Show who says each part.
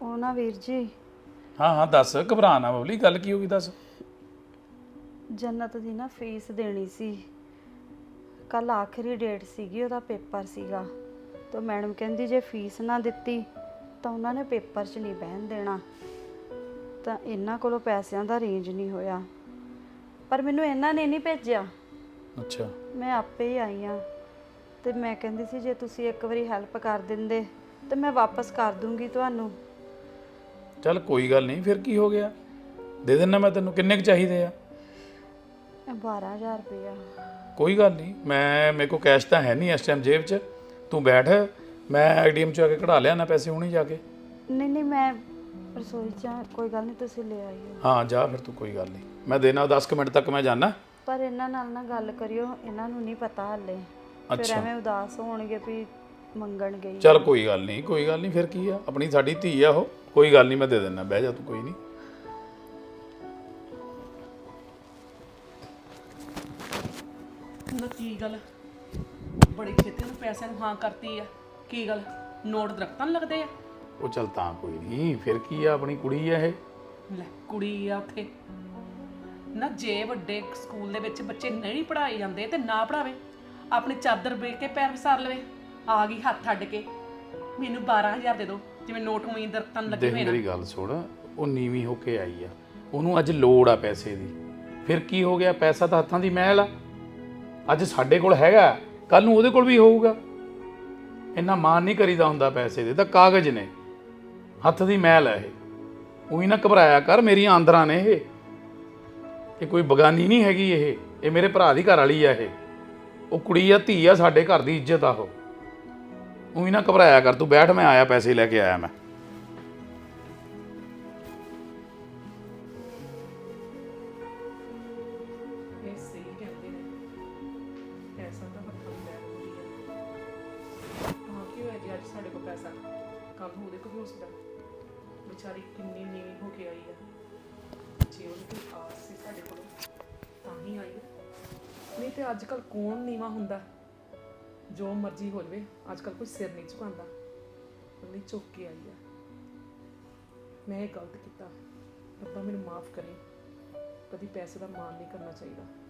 Speaker 1: ਉਹ ਨਾ ਵੀਰ ਜੀ,
Speaker 2: ਹਾਂ ਹਾਂ ਦੱਸ, ਘਬਰਾ ਨਾ ਬਬਲੀ, ਗੱਲ ਕੀ ਹੋ ਗਈ ਦੱਸ।
Speaker 1: ਜੰਨਤ ਦੀ ਨਾ ਫੀਸ ਦੇਣੀ ਸੀ। ਕੱਲ ਆਖਰੀ ਡੇਟ ਸੀਗੀ, ਉਹਦਾ ਪੇਪਰ ਸੀਗਾ। ਤਾਂ ਮੈਡਮ ਕਹਿੰਦੀ ਜੇ ਫੀਸ ਨਾ ਦਿੱਤੀ ਤਾਂ ਉਹਨਾਂ ਨੇ ਪੇਪਰ 'ਚ ਨਹੀਂ ਬਹਿਣ ਦੇਣਾ। ਤਾਂ ਇਹਨਾਂ ਕੋਲੋਂ ਪੈਸਿਆਂ ਦਾ ਅਰੇਂਜ ਨਹੀਂ ਹੋਇਆ, ਪਰ ਮੈਨੂੰ ਇਹਨਾਂ ਨੇ ਨਹੀਂ ਭੇਜਿਆ।
Speaker 2: ਅੱਛਾ,
Speaker 1: ਮੈਂ ਆਪੇ ਹੀ ਆਈ ਹਾਂ। ਤੇ ਮੈਂ ਕਹਿੰਦੀ ਸੀ ਜੇ ਤੁਸੀਂ ਇੱਕ ਵਾਰੀ ਹੈਲਪ ਕਰ ਦਿੰਦੇ ਤੇ ਮੈਂ ਵਾਪਸ ਕਰ ਦੂੰਗੀ ਤੁਹਾਨੂੰ।
Speaker 2: ਚੱਲ ਕੋਈ ਗੱਲ ਨਹੀਂ, ਫਿਰ ਕੀ ਹੋ ਗਿਆ, ਦੇ ਦੇਣਾ ਮੈਂ ਤੈਨੂੰ। ਕਿੰਨੇ ਕੁ ਚਾਹੀਦੇ ਆ?
Speaker 1: 12,000 ਰੁਪਇਆ।
Speaker 2: ਕੋਈ ਗੱਲ ਨਹੀਂ, ਮੇਰੇ ਕੋਲ ਕੈਸ਼ ਤਾਂ ਹੈ ਨਹੀਂ ਇਸ ਟਾਈਮ ਜੇਬ 'ਚ। ਤੂੰ ਬੈਠ, ਮੈਂ ATM 'ਚ ਆ ਕੇ ਕਢਾ ਲਿਆ ਨਾ ਪੈਸੇ ਹੁਣੀ ਜਾ ਕੇ।
Speaker 1: ਨਹੀਂ ਮੈਂ ਰਸੋਈ 'ਚ ਹਾਂ, ਕੋਈ ਗੱਲ ਨਹੀਂ, ਤੁਸੀਂ ਲੈ ਆਇਓ।
Speaker 2: ਹਾਂ ਜਾ ਫਿਰ ਤੂੰ, ਕੋਈ ਗੱਲ ਨਹੀਂ, ਮੈਂ ਦੇਣਾ 10 ਕੁ ਮਿੰਟ ਤੱਕ ਮੈਂ ਜਾਣਾ।
Speaker 1: ਪਰ ਇਹਨਾਂ ਨਾਲ ਨਾ ਗੱਲ ਕਰਿਓ, ਇਹਨਾਂ ਨੂੰ ਨਹੀਂ ਪਤਾ ਹਾਲੇ। ਫਿਰ ਐਵੇਂ ਉਦਾਸ ਹੋਣਗੇ ਵੀ ਮੰਗਣ ਗਈ।
Speaker 2: ਚੱਲ ਕੋਈ ਗੱਲ ਨਹੀਂ, ਕੋਈ ਗੱਲ ਨਹੀਂ, ਫਿਰ ਕੀ ਆ, ਆਪਣੀ ਸਾਡੀ ਧੀ ਆ ਉਹ। ਕੋਈ ਗੱਲ ਨਹੀਂ, ਮੈਂ ਦੇ ਦਿੰਦਾ, ਬਹਿ ਜਾ ਤੂੰ, ਕੋਈ ਨਹੀਂ।
Speaker 3: ਨਾ ਕੀ ਗੱਲ, ਬੜੀ ਛੇਤੀ ਨੂੰ ਪੈਸਿਆਂ ਨੂੰ ਹਾਂ ਕਰਤੀ ਆ। ਕੀ ਗੱਲ, ਨੋਟ ਦਰਖਤਾਂ ਨੂੰ ਲੱਗਦੇ ਆ?
Speaker 2: ਉਹ ਚੱਲ ਤਾਂ ਕੋਈ ਨਹੀਂ, ਫਿਰ ਕੀ ਆ, ਆਪਣੀ ਕੁੜੀ ਆ ਇਹ।
Speaker 3: ਲੈ ਕੁੜੀ ਆ ਉੱਥੇ ਨਾ। ਜੇ ਵੱਡੇ ਸਕੂਲ ਦੇ ਵਿੱਚ ਬੱਚੇ ਨਹੀਂ ਪੜ੍ਹਾਏ ਜਾਂਦੇ ਤੇ ਨਾ ਪੜਾਵੇ, ਆਪਣੀ ਚਾਦਰ ਵੇਚ ਕੇ ਪੈਰ ਵਿਸਾਰ ਲਵੇ। ਆ ਗਈ ਹੱਥ ਅੱਡ ਕੇ, ਮੈਨੂੰ 12,000 ਦੇ ਦਿਓ, ਜਿਵੇਂ ਨੋਟ ਉਮੀਦ ਦਰਖਤਾਂ ਨੂੰ ਲੱਗੇ
Speaker 2: ਦੇਖ
Speaker 3: ਹੋਏ ਨਾ।
Speaker 2: ਮੇਰੀ ਗੱਲ ਸੁਣ, ਉਹ ਨੀਵੀਂ ਹੋ ਕੇ ਆਈ ਆ, ਉਹਨੂੰ ਅੱਜ ਲੋੜ ਆ ਪੈਸੇ ਦੀ। ਫਿਰ ਕੀ ਹੋ ਗਿਆ, ਪੈਸਾ ਤਾਂ ਹੱਥਾਂ ਦੀ ਮਹਿਲ ਆ। ਅੱਜ ਸਾਡੇ ਕੋਲ ਹੈਗਾ, ਕੱਲ ਨੂੰ ਉਹਦੇ ਕੋਲ ਵੀ ਹੋਊਗਾ। ਇੰਨਾ ਮਾਣ ਨਹੀਂ ਕਰੀਦਾ ਹੁੰਦਾ ਪੈਸੇ ਦੇ, ਤਾਂ ਕਾਗਜ਼ ਨੇ, ਹੱਥ ਦੀ ਮਹਿਲ ਹੈ ਇਹ। ਉਹੀ ਨਾ ਘਬਰਾਇਆ ਕਰ, ਮੇਰੀਆਂ ਆਂਦਰਾਂ ਨੇ ਇਹ ਕੋਈ ਬਗਾਨੀ ਨਹੀਂ ਹੈਗੀ। ਇਹ ਮੇਰੇ ਭਰਾ ਦੀ ਘਰ ਵਾਲੀ ਆ। ਉਹ ਕੁੜੀ ਆ, ਧੀ ਆ, ਸਾਡੇ ਘਰ ਦੀ ਇੱਜ਼ਤ ਆ ਉਹ। ਉਹੀ ਨਾ ਘਬਰਾਇਆ ਕਰ, ਤੂੰ ਬੈਠ, ਮੈਂ ਆਇਆ, ਪੈਸੇ ਲੈ ਕੇ ਆਇਆ ਮੈਂ।
Speaker 3: ਇਹ ਸਹੀ ਕਹਿੰਦੇ ਨੇ, ਪੈਸਾ ਤਾਂ ਹੱਥਾਂ ਦੀ ਮਹਿਲ ਹੁੰਦੀ ਹੈ। ਹਾਂ ਕੀ ਹੋਇਆ ਜੀ, ਅੱਜ ਸਾਡੇ ਕੋਲ ਪੈਸਾ, ਕੱਲ ਨੂੰ ਉਹਦੇ ਕੋਲ ਵੀ ਹੋ ਸਕਦਾ। ਵਿਚਾਰੀ ਕਿੰਨੀ ਨੀਵੀਂ ਹੋ ਕੇ ਆਈ ਆ। ਜੇ ਉਹਨੂੰ ਕੋਈ ਆਸ ਸੀ ਸਾਡੇ ਕੋਲੋਂ ਤਾਂ ਹੀ ਆਈ ਆ। ਨਹੀਂ ਤੇ ਅੱਜ ਕੱਲ੍ਹ ਕੌਣ ਨੀਵਾਂ ਹੁੰਦਾ? ਜੋ ਮਰਜ਼ੀ ਹੋ ਜਾਵੇ, ਅੱਜ ਕੱਲ੍ਹ ਕੋਈ ਸਿਰ ਨਹੀਂ ਝੁਕਾਉਂਦਾ। ਉਹਨੇ ਝੁੱਕ ਕੇ ਆਈ ਆ। ਮੈਂ ਇਹ ਗਲਤ ਕੀਤਾ, ਰੱਬਾ ਮੈਨੂੰ ਮਾਫ ਕਰੇ। ਕਦੀ ਪੈਸੇ ਦਾ ਮਾਣ ਨਹੀਂ ਕਰਨਾ ਚਾਹੀਦਾ।